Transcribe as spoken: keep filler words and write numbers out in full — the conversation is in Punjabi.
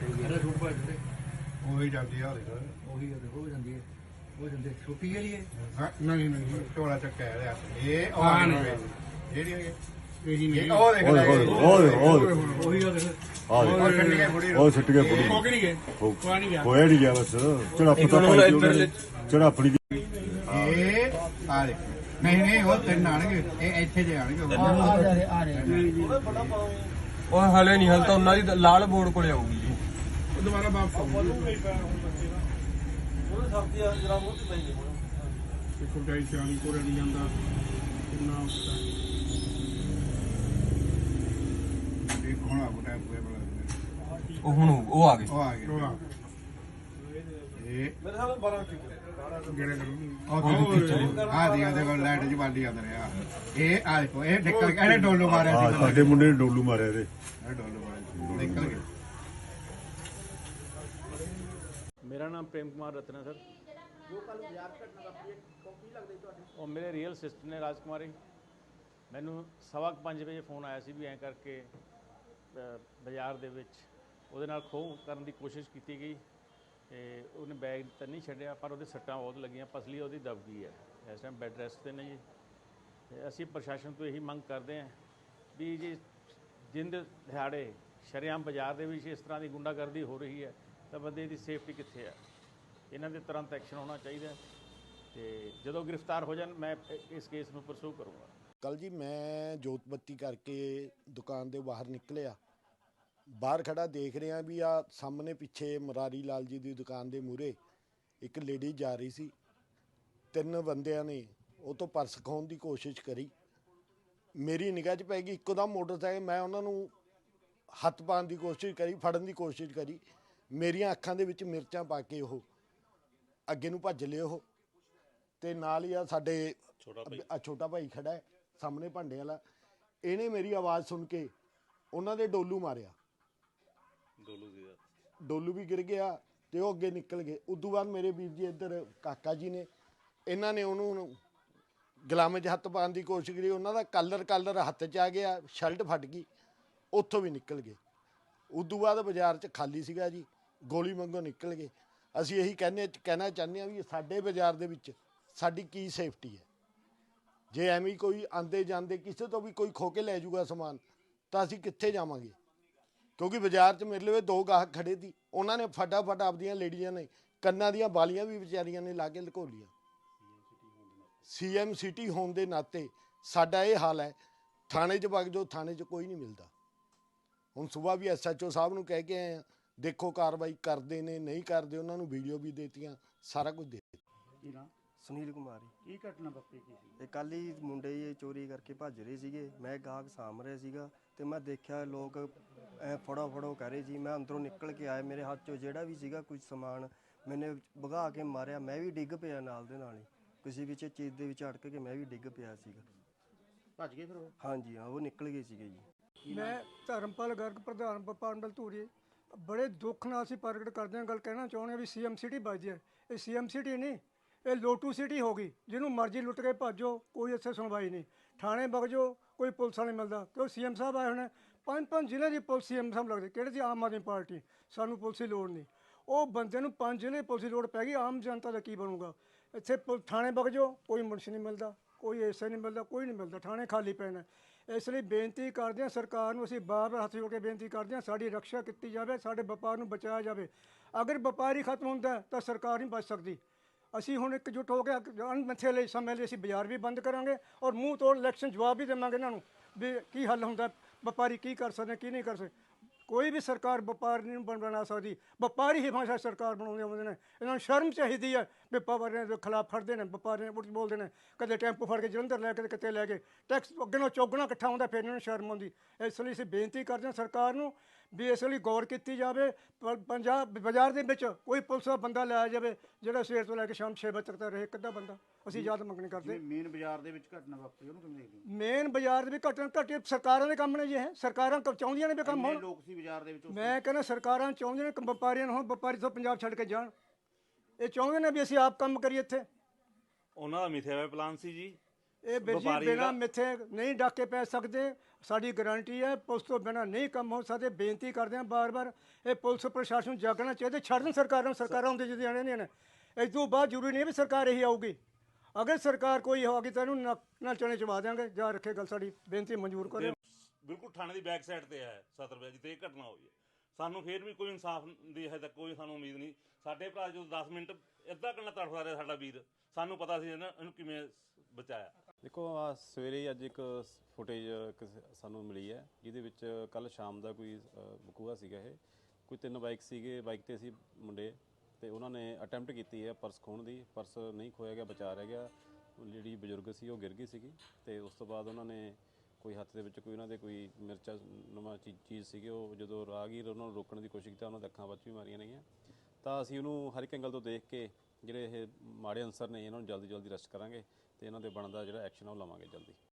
ਇਹਦਾ ਸੂਟ ਪਾ ਦਿੱਤੇ ਉਹੀ ਜਾਂਦੀ ਆ ਉਹਦੇ ਉਹੀ ਹੋ ਜਾਂਦੀ ਹੈ ਹੋ ਜਾਂਦੇ ਛੁੱਟੀ ਜਿਹੜੀ ਹੈ ਨਹੀਂ ਨਹੀਂ ਝੋਲਾ ਚੱਕਿਆ ਰਿਹਾ ਇਹ ਉਹ ਹਾਂ ਨਹੀਂ ਨਹੀਂ ਜਿਹੜੀ ਇਹੀ ਨਹੀਂ ਇਹ ਉਹ ਦੇਖ ਓਏ ਲੈ ਓਏ ਓਏ ਓਏ ਉਹੀ ਆ ਦੇਖ ਆ ਉਹ ਛੱਡ ਕੇ ਬੁੜੀ ਉਹ ਛੱਟ ਗਿਆ ਬੁੜੀ ਹੋ ਕੇ ਨਹੀਂ ਗਏ ਕੋਈ ਨਹੀਂ ਗਿਆ ਹੋਇਆ ਨਹੀਂ ਗਿਆ ਬਸ ਝੜਪ ਤਾਂ ਪਾਈ ਉਹਨੇ ਝੜਪ ਨਹੀਂ ਇਹ ਆ ਦੇਖ ਨਹੀਂ ਨਹੀਂ ਉਹ ਤਿੰਨ ਆਣਗੇ ਇਹ ਇੱਥੇ ਜੇ ਆਣਗੇ ਆ ਰਹੇ ਆ ਰਹੇ ਉਹ ਹਲੇ ਨਹੀਂ ਹਲ ਤਾਂ ਉਹਨਾਂ ਦੀ ਲਾਲ ਬੋਰਡ ਕੋਲੇ ਆਊਗੀ ਜੀ ਉਹ ਦੁਬਾਰਾ ਵਾਪਸ ਆਉਂਦੇ ਦੇਖੋ ਗਾਈ ਸਿਆਣੀ ਕੋਰੇ ਨਹੀਂ ਜਾਂਦਾ ਕਿੰਨਾ ਇਹ ਕੋਣਾ ਬੁਟਾ ਪੂਰੇ ਬਲਾ ਉਹ ਹੁਣ ਉਹ ਆ ਗਏ ਉਹ ਆ ਗਏ ਹੋਆ ਇਹ ਜਿਹੜੇ ਕਰੂੰਗੀ ਉਹ ਆ ਦੀਆਂ ਦੇ ਕੋਲ ਲਾਈਟ ਜਵਾਲੀ ਆਉਂਦੇ ਰਿਹਾ ਇਹ ਆ ਦੇਖੋ ਇਹ ਨਿਕਲ ਗਿਆ ਇਹਨੇ ਡੋਲੂ ਮਾਰਿਆ ਆ ਸੀ ਸਾਡੇ ਮੁੰਡੇ ਨੇ ਡੋਲੂ ਮਾਰਿਆ ਇਹਦੇ ਇਹ ਡੋਲੂ ਮਾਰਿਆ ਨਿਕਲ ਗਿਆ मेरा नाम प्रेम कुमार रत्न है सर जो कल बाजार घटना वापरी है की लगदा ਤੁਹਾਡੇ ਉਹ ਮੇਰੇ ਰੀਅਲ ਸਿਸਟਰ ਨੇ ਰਾਜਕੁਮਾਰੀ ਮੈਨੂੰ ਸਵਾ ਪੰਜ ਵਜੇ ਫੋਨ ਆਇਆ ਸੀ ਵੀ ਐਂ ਕਰਕੇ ਬਾਜ਼ਾਰ ਦੇ ਵਿੱਚ ਉਹਦੇ ਨਾਲ ਖੋਹ ਕਰਨ ਦੀ ਕੋਸ਼ਿਸ਼ ਕੀਤੀ ਗਈ ਤੇ ਉਹਨੇ ਬੈਗ ਤਾਂ ਨਹੀਂ ਛੱਡਿਆ ਪਰ ਉਹਦੇ ਸੱਟਾਂ ਬਹੁਤ ਲੱਗੀਆਂ ਪਸਲੀ ਉਹਦੀ ਦਬ ਗਈ ਹੈ ਇਸ ਟਾਈਮ ਬੈੱਡ ਰੈਸਟ ਤੇ ਨੇ ਜੀ ਤੇ ਅਸੀਂ ਪ੍ਰਸ਼ਾਸਨ ਤੋਂ ਇਹੀ ਮੰਗ ਕਰਦੇ ਹਾਂ ਵੀ ਜੀ ਜਿੰਦ ਦਿਹਾੜੇ ਸ਼ਰੇਆਮ ਬਾਜ਼ਾਰ ਦੇ ਵਿੱਚ ਇਸ ਤਰ੍ਹਾਂ ਦੀ ਗੁੰਡਾਗਰਦੀ ਹੋ ਰਹੀ ਹੈ ਤਾਂ ਬੰਦੇ ਦੀ ਸੇਫਟੀ ਕਿੱਥੇ ਹੈ ਇਹਨਾਂ ਦੇ ਤੁਰੰਤ ਐਕਸ਼ਨ ਹੋਣਾ ਚਾਹੀਦਾ ਤੇ ਜਦੋਂ ਗ੍ਰਿਫਤਾਰ ਹੋ ਜਾਣ ਮੈਂ ਇਸ ਕੇਸ ਨੂੰ ਪਰਸੂ ਕਰੂੰਗਾ। ਕੱਲ ਜੀ ਮੈਂ ਜੋਤ ਬੱਤੀ ਕਰਕੇ ਦੁਕਾਨ ਦੇ ਬਾਹਰ ਨਿਕਲਿਆ ਬਾਹਰ ਖੜਾ ਦੇਖ ਰਿਹਾ ਵੀ ਆ ਸਾਹਮਣੇ ਪਿੱਛੇ ਮਰਾਰੀ ਲਾਲ ਜੀ ਦੀ ਦੁਕਾਨ ਦੇ ਮੂਹਰੇ ਇੱਕ ਲੇਡੀ ਜਾ ਰਹੀ ਸੀ ਤਿੰਨ ਬੰਦਿਆਂ ਨੇ ਉਹ ਤੋਂ ਪਰਸ ਖੋਹਣ ਦੀ ਕੋਸ਼ਿਸ਼ ਕਰੀ ਮੇਰੀ ਨਿਗਾਹ 'ਚ ਪੈ ਗਈ ਇੱਕੋ ਦਮ ਮੋਟਰਸਾਈਕਲ ਮੈਂ ਉਹਨਾਂ ਨੂੰ ਹੱਥ ਪਾਉਣ ਦੀ ਕੋਸ਼ਿਸ਼ ਕਰੀ ਫੜਨ ਦੀ ਕੋਸ਼ਿਸ਼ ਕਰੀ ਮੇਰੀਆਂ ਅੱਖਾਂ ਦੇ ਵਿੱਚ ਮਿਰਚਾਂ ਪਾ ਕੇ ਉਹ ਅੱਗੇ ਨੂੰ ਭੱਜ ਲਏ ਉਹ ਤੇ ਨਾਲ ਹੀ ਆ ਸਾਡੇ ਛੋਟਾ ਛੋਟਾ ਭਾਈ ਖੜਾ ਹੈ ਸਾਹਮਣੇ ਭਾਂਡੇ ਵਾਲਾ ਇਹਨੇ ਮੇਰੀ ਆਵਾਜ਼ ਸੁਣ ਕੇ ਉਹਨਾਂ ਦੇ ਡੋਲੂ ਮਾਰਿਆ ਡੋਲੂ ਵੀ ਡੋਲੂ ਵੀ ਗਿਰ ਗਿਆ ਤੇ ਉਹ ਅੱਗੇ ਨਿਕਲ ਗਏ ਉਦੋਂ ਬਾਅਦ ਮੇਰੇ ਵੀਰ ਜੀ ਇੱਧਰ ਕਾਕਾ ਜੀ ਨੇ ਇਹਨਾਂ ਨੇ ਉਹਨੂੰ ਗੁਲਾਮੇ 'ਚ ਹੱਥ ਪਾਉਣ ਦੀ ਕੋਸ਼ਿਸ਼ ਕਰੀ ਉਹਨਾਂ ਦਾ ਕਲਰ ਕਲਰ ਹੱਥ 'ਚ ਆ ਗਿਆ ਸ਼ਰਟ ਫਟ ਗਈ ਉੱਥੋਂ ਵੀ ਨਿਕਲ ਗਏ ਉਦੋਂ ਬਾਅਦ ਬਾਜ਼ਾਰ 'ਚ ਖਾਲੀ ਸੀਗਾ ਜੀ ਗੋਲੀ ਵਾਂਗੂ ਨਿਕਲ ਗਏ ਅਸੀਂ ਇਹੀ ਕਹਿੰਦੇ ਕਹਿਣਾ ਚਾਹੁੰਦੇ ਹਾਂ ਵੀ ਸਾਡੇ ਬਾਜ਼ਾਰ ਦੇ ਵਿੱਚ ਸਾਡੀ ਕੀ ਸੇਫਟੀ ਹੈ ਜੇ ਐਵੇਂ ਕੋਈ ਆਂਦੇ ਜਾਂਦੇ ਕਿਸੇ ਤੋਂ ਵੀ ਕੋਈ ਖੋ ਕੇ ਲੈ ਜਾਊਗਾ ਸਮਾਨ ਤਾਂ ਅਸੀਂ ਕਿੱਥੇ ਜਾਵਾਂਗੇ ਕਿਉਂਕਿ ਬਾਜ਼ਾਰ 'ਚ ਮੇਰੇ ਲਈ ਦੋ ਗਾਹਕ ਖੜੇ ਸੀ ਉਹਨਾਂ ਨੇ ਫਟਾਫਟ ਆਪਦੀਆਂ ਲੇਡੀਆਂ ਨੇ ਕੰਨਾਂ ਦੀਆਂ ਬਾਲੀਆਂ ਵੀ ਵਿਚਾਰੀਆਂ ਨੇ ਲਾ ਕੇ ਲੁਕੋ ਲੀਆਂ ਸੀ ਐਮ ਸਿਟੀ ਹੋਣ ਦੇ ਨਾਤੇ ਸਾਡਾ ਇਹ ਹਾਲ ਹੈ ਥਾਣੇ 'ਚ ਵਗ ਜਾਓ ਥਾਣੇ 'ਚ ਕੋਈ ਨਹੀਂ ਮਿਲਦਾ ਹੁਣ ਸਵੇਰ ਵੀ ਐਸ ਐਚ ਓ ਸਾਹਿਬ ਨੂੰ ਕਹਿ ਕੇ ਆਏ ਆ ਦੇਖੋ ਕਾਰਵਾਈ ਕਰਦੇ ਨੇ ਨਹੀਂ ਕਰਦੇ ਉਹਨਾਂ ਨੂੰ ਵੀਡੀਓ ਵੀ ਦੇਤੀਆਂ ਸਾਰਾ ਕੁਝ ਦੇ ਦਿੱਤਾ। ਸੁਨੀਲ ਕੁਮਾਰ ਕੀ ਘਟਨਾ ਵਾਪਰੀ ਕੀ ਸੀ ਇਹ ਕੱਲ ਹੀ ਮੁੰਡੇ ਇਹ ਚੋਰੀ ਕਰਕੇ ਭੱਜ ਰਹੇ ਸੀਗੇ ਮੈਂ ਗਾਹਕ ਸਾਂਭ ਰਿਹਾ ਸੀਗਾ ਤੇ ਮੈਂ ਦੇਖਿਆ ਲੋਕ ਐ ਫੜੋ ਫੜੋ ਕਰ ਰਹੇ ਸੀ ਮੈਂ ਅੰਦਰੋਂ ਨਿਕਲ ਕੇ ਆਇਆ ਮੇਰੇ ਹੱਥ 'ਚੋਂ ਜਿਹੜਾ ਵੀ ਸੀਗਾ ਕੁਝ ਸਮਾਨ ਮੈਨੇ ਭਗਾ ਕੇ ਮਾਰਿਆ ਮੈਂ ਵੀ ਡਿੱਗ ਪਿਆ ਨਾਲ ਦੇ ਨਾਲ ਹੀ ਕਿਸੇ ਵਿੱਚ ਚੀਜ਼ ਦੇ ਵਿੱਚ ਅਟਕ ਕੇ ਮੈਂ ਵੀ ਡਿੱਗ ਪਿਆ ਸੀਗਾ ਭੱਜ ਗਏ ਫਿਰ ਉਹ ਹਾਂਜੀ ਹਾਂ ਉਹ ਨਿਕਲ ਗਏ ਸੀਗੇ ਜੀ। ਮੈਂ ਧਰਮਪਾਲ ਗਰਗ ਪ੍ਰਧਾਨ ਵਪਾਰ ਧੂਰੀ ਬੜੇ ਦੁੱਖ ਨਾਲ ਅਸੀਂ ਪ੍ਰਗਟ ਕਰਦੇ ਹਾਂ ਗੱਲ ਕਹਿਣਾ ਚਾਹੁੰਦੇ ਹਾਂ ਵੀ ਸੀ ਐਮ ਸਿਟੀ ਵੱਜਦੀ ਹੈ ਇਹ ਸੀ ਐਮ ਸਿਟੀ ਨਹੀਂ ਇਹ ਲੋਟੂ ਸਿਟੀ ਹੋ ਗਈ ਜਿਹਨੂੰ ਮਰਜ਼ੀ ਲੁੱਟ ਕੇ ਭੱਜੋ ਕੋਈ ਇੱਥੇ ਸੁਣਵਾਈ ਨਹੀਂ ਥਾਣੇ ਵਗ ਜਾਓ ਕੋਈ ਪੁਲਿਸ ਵਾਲਾ ਨਹੀਂ ਮਿਲਦਾ ਕਿਉਂ ਸੀ ਐਮ ਸਾਹਿਬ ਆਏ ਹੋਣੇ ਪੰਜ ਪੰਜ ਜ਼ਿਲ੍ਹੇ ਦੀ ਪੁਲਿਸ ਸੀ ਐਮ ਸਾਹਿਬ ਲੱਗਦੇ ਕਿਹੜੇ ਸੀ ਆਮ ਆਦਮੀ ਪਾਰਟੀ ਸਾਨੂੰ ਪੁਲਿਸ ਦੀ ਲੋੜ ਨਹੀਂ ਉਹ ਬੰਦੇ ਨੂੰ ਪੰਜ ਜ਼ਿਲ੍ਹੇ ਪੁਲਿਸ ਦੀ ਲੋੜ ਪੈ ਗਈ ਆਮ ਜਨਤਾ ਦਾ ਕੀ ਬਣੂਗਾ ਇੱਥੇ ਥਾਣੇ ਵਗ ਜਾਓ ਕੋਈ ਮੁਨਸ਼ੀ ਨਹੀਂ ਮਿਲਦਾ ਕੋਈ ਐਸੇ ਨਹੀਂ ਮਿਲਦਾ ਕੋਈ ਨਹੀਂ ਮਿਲਦਾ ਥਾਣੇ ਖਾਲੀ ਪਏ ਨੇ ਇਸ ਲਈ ਬੇਨਤੀ ਕਰਦੇ ਹਾਂ ਸਰਕਾਰ ਨੂੰ ਅਸੀਂ ਬਾਰ ਬਾਰ ਹੱਥ ਜੋੜ ਕੇ ਬੇਨਤੀ ਕਰਦੇ ਹਾਂ ਸਾਡੀ ਰੱਖਿਆ ਕੀਤੀ ਜਾਵੇ ਸਾਡੇ ਵਪਾਰ ਨੂੰ ਬਚਾਇਆ ਜਾਵੇ ਅਗਰ ਵਪਾਰ ਹੀ ਖਤਮ ਹੁੰਦਾ ਤਾਂ ਸਰਕਾਰ ਨਹੀਂ ਬਚ ਸਕਦੀ ਅਸੀਂ ਹੁਣ ਇਕਜੁੱਟ ਹੋ ਕੇ ਅਣਮਿੱਥੇ ਲਈ ਸਮੇਂ ਲਈ ਅਸੀਂ ਬਾਜ਼ਾਰ ਵੀ ਬੰਦ ਕਰਾਂਗੇ ਔਰ ਮੂੰਹ ਤੋੜ ਇਲੈਕਸ਼ਨ ਜਵਾਬ ਵੀ ਦੇਵਾਂਗੇ ਇਹਨਾਂ ਨੂੰ ਵੀ ਕੀ ਹੱਲ ਹੁੰਦਾ ਵਪਾਰੀ ਕੀ ਕਰ ਸਕਦੇ ਕੀ ਨਹੀਂ ਕਰ ਸਕਦੇ ਕੋਈ ਵੀ ਸਰਕਾਰ ਵਪਾਰ ਨਹੀਂ ਬਣਾ ਸਕਦੀ ਵਪਾਰੀ ਹੀ ਹਮੇਸ਼ਾ ਸਰਕਾਰ ਬਣਾਉਂਦੇ ਆਉਂਦੇ ਨੇ ਇਹਨਾਂ ਨੂੰ ਸ਼ਰਮ ਚਾਹੀਦੀ ਹੈ ਵੀ ਵਪਾਰੀਆਂ ਦੇ ਖਿਲਾਫ ਫੜਦੇ ਨੇ ਵਪਾਰੀਆਂ ਉੱਠ ਬੋਲਦੇ ਨੇ ਕਦੇ ਟੈਂਪੂ ਫੜ ਕੇ ਜਲੰਧਰ ਲੈ ਕੇ ਕਿਤੇ ਲੈ ਕੇ ਟੈਕਸ ਅੱਗੇ ਨਾਲ ਚੌਗਣਾ ਇਕੱਠਾ ਹੁੰਦਾ ਫਿਰ ਇਹਨਾਂ ਨੂੰ ਸ਼ਰਮ ਆਉਂਦੀ ਇਸ ਲਈ ਅਸੀਂ ਬੇਨਤੀ ਕਰਦੇ ਹਾਂ ਸਰਕਾਰ ਨੂੰ ਵੀ ਇਸ ਲਈ ਗੌਰ ਕੀਤੀ ਜਾਵੇ ਪੰਜਾਬ ਬਾਜ਼ਾਰ ਦੇ ਵਿੱਚ ਕੋਈ ਪੁਲਿਸ ਦਾ ਬੰਦਾ ਲਾਇਆ ਜਾਵੇ ਜਿਹੜਾ ਸਵੇਰ ਤੋਂ ਲੈ ਕੇ ਸ਼ਾਮ ਛੇ ਵਜੇ ਤੱਕ ਰਹੇ ਇੱਕ ਅੱਧਾ ਬੰਦਾ ਅਸੀਂ ਯਾਦ ਮੰਗਣੀ ਕਰਦੇ ਮੇਨ ਬਾਜ਼ਾਰ ਦੇ ਵਿੱਚ ਘਟਨਾ ਵਾਪਰੀ ਉਹਨੂੰ ਕਿਵੇਂ ਦੇਖਦੇ ਹੋ ਮੇਨ ਬਾਜ਼ਾਰ ਦੇ ਵਿੱਚ ਘਟਨਾ ਘਟੇ ਸਰਕਾਰਾਂ ਦੇ ਕੰਮ ਨੇ ਜੀ ਇਹ ਸਰਕਾਰਾਂ ਚਾਹੁੰਦੀਆਂ ਨੇ ਵੀ ਕੰਮ ਹੋਣ ਲੋਕ ਸੀ ਬਾਜ਼ਾਰ ਦੇ ਵਿੱਚ ਮੈਂ ਕਹਿੰਦਾ ਸਰਕਾਰਾਂ ਚਾਹੁੰਦੀਆਂ ਨੇ ਵਪਾਰੀਆਂ ਨੂੰ ਹੁਣ ਵਪਾਰੀ ਤੋਂ ਪੰਜਾਬ ਛੱਡ ਕੇ ਜਾਣ ਇਹ ਚਾਹੁੰਦੇ ਨੇ ਵੀ ਅਸੀਂ ਆਪ ਕੰਮ ਕਰੀਏ ਇੱਥੇ ਉਹਨਾਂ ਦਾ ਮਿਥਿਆ ਹੋਇਆ ਪਲਾਨ ਸੀ ਜੀ ਇਹ ਵੀਰ ਜੀ ਵਪਾਰੀ ਬਿਨਾਂ ਜਿਹੜਾ- ਮਿੱਥੇ ਨਹੀਂ ਡਾਕੇ ਪੈ ਸਕਦੇ। ਸਾਡੀ ਗਾਰੰਟੀ ਹੈ ਪੁਲਿਸ ਤੋਂ ਬਿਨਾਂ ਨਹੀਂ ਕੰਮ ਹੋ ਸਕਦੇ। ਬੇਨਤੀ ਕਰਦੇ ਹਾਂ ਬਾਰ-ਬਾਰ, ਇਹ ਪੁਲਿਸ ਪ੍ਰਸ਼ਾਸਨ ਨੂੰ ਜਾਗਣਾ ਚਾਹੀਦਾ। ਛੱਡ ਦੇਣ ਸਰਕਾਰਾਂ ਨੂੰ, ਸਰਕਾਰਾਂ ਹੁੰਦੇ ਜਿਹਦੇ ਆਣੇ ਨਹੀਂ ਨੇ। ਇਸ ਤੋਂ ਬਾਅਦ ਜ਼ਰੂਰੀ ਨਹੀਂ ਵੀ ਸਰਕਾਰ ਇਹੀ ਆਊਗੀ। ਅਗਰ ਸਰਕਾਰ ਕੋਈ ਹੋਗੀ ਤਾਂ ਇਹਨੂੰ ਨੱਕ ਨਾਲ ਚਣੇ ਚਵਾ ਦਿਆਂਗੇ। ਜਾਂ ਰੱਖੇ ਗੱਲ, ਸਾਡੀ ਬੇਨਤੀ ਮਨਜ਼ੂਰ ਕਰੇ। ਬਿਲਕੁਲ ਥਾਣੇ ਦੀ ਬੈਕ ਸਾਈਡ ਤੇ ਹੈ ਸਤਰ ਵਜੇ ਜਿੱਥੇ ਇਹ ਘਟਨਾ ਹੋਈ ਹੈ। ਸਾਨੂੰ ਫੇਰ ਵੀ ਕੋਈ ਇਨਸਾਫ ਦੀ ਹਜੇ ਤੱਕ ਕੋਈ ਸਾਨੂੰ ਉਮੀਦ ਨਹੀਂ। ਸਾਡੇ ਭਰਾ ਜਦੋਂ ਦਸ ਮਿੰਟ ਅੱਧਾ ਘੰਟਾ ਤੜਫਦਾ ਰਿਹਾ ਸਾਡਾ ਵੀਰ, ਸਾਨੂੰ ਪਤਾ ਸੀ ਇਹਨਾਂ ਇਹਨੂੰ ਕਿਵੇਂ ਬਚਾਇਆ। ਦੇਖੋ ਆ ਸਵੇਰੇ ਅੱਜ ਇੱਕ ਫੁਟੇਜ ਸਾਨੂੰ ਮਿਲੀ ਹੈ ਜਿਹਦੇ ਵਿੱਚ ਕੱਲ ਸ਼ਾਮ ਦਾ ਕੋਈ ਵਕੂਆ ਸੀਗਾ। ਇਹ ਕੋਈ ਤਿੰਨ ਬਾਈਕ ਸੀਗੇ, ਬਾਈਕ ਤੇ ਸੀ ਮੁੰਡੇ, ਤੇ ਉਹਨਾਂ ਨੇ ਅਟੈਂਪਟ ਕੀਤੀ ਹੈ ਪਰਸ ਖੋਹਣ ਦੀ। ਪਰਸ ਨਹੀਂ ਖੋਇਆ ਗਿਆ, ਬਚਾ ਰਹਿ ਗਿਆ। ਜਿਹੜੀ ਬਜ਼ੁਰਗ ਸੀ ਉਹ ਗਿਰ ਗਈ ਸੀਗੀ, ਤੇ ਉਸ ਤੋਂ ਬਾਅਦ ਉਹਨਾਂ ਨੇ ਕੋਈ ਹੱਥ ਦੇ ਵਿੱਚ ਕੋਈ ਉਹਨਾਂ ਦੇ ਕੋਈ ਮਿਰਚਾ ਨਵਾਂ ਚੀ ਚੀਜ਼ ਸੀਗੀ, ਉਹ ਜਦੋਂ ਰਾਹਗੀਰ ਉਹਨਾਂ ਨੂੰ ਰੋਕਣ ਦੀ ਕੋਸ਼ਿਸ਼ ਕੀਤੀ ਉਹਨਾਂ ਦੇ ਅੱਖਾਂ ਵਿੱਚ ਵੀ ਮਾਰੀਆਂ ਨੇਗੀਆਂ। ਤਾਂ ਅਸੀਂ ਉਹਨੂੰ ਹਰ ਇੱਕ ਐਂਗਲ ਤੋਂ ਦੇਖ ਕੇ ਜਿਹੜੇ ਇਹ ਮਾੜੇ ਅਨਸਰ ਨੇ ਇਹਨਾਂ ਨੂੰ ਜਲਦੀ ਜਲਦੀ ਅਰੈਸਟ ਕਰਾਂਗੇ, ਤੇ ਇਹਨਾਂ ਦੇ ਬਣਦਾ ਜਿਹੜਾ ਐਕਸ਼ਨ ਆ ਉਹ ਲਵਾਂਗੇ ਜਲਦੀ।